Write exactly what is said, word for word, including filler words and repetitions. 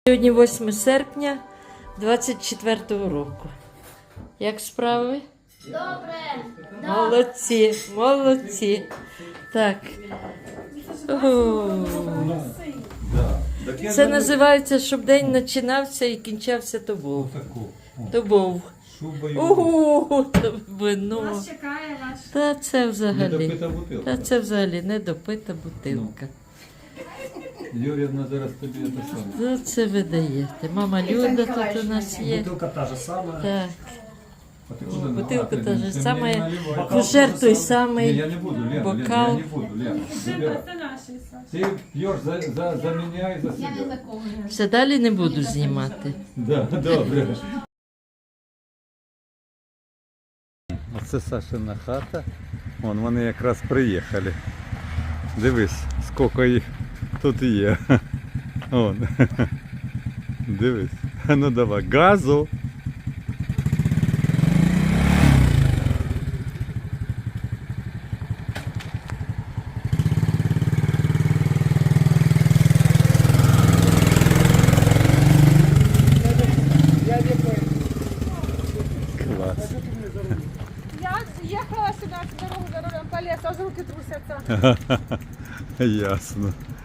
Сьогодні восьме серпня двадцять четвертого року. Як справи? Добре. Молодці, молодці. Так. О, це називається, щоб день починався і кінчався то був. То був. Ого, то вино. Нас чекає ваш. Та це взагалі. Недопита бутилка. Та це взагалі недопита бутилка. Юрівна зараз тобі це саме. Ну, це ви даєте. Мама Люда тут у нас є. Бутылка та же самая. Так. А ти О, куди бутилка наливати? та ж Ти сама. мені наливай. Фужер той Ні, самий. я не буду, Лена, Лена, бокал. я не буду, Лена. Забирай. Ти п'єш за, за, за мене і за Я не себе. такого. Все далі не буду знімати. Да, добре. Оце Сашина хата. Вон, вони якраз приїхали. Дивись, скільки їх тут є. Вон. Дивись. Ну давай, газу. Клас. Я ехала сюда, с дорогу за рулем по лесу, аж руки трусятся. Ясно.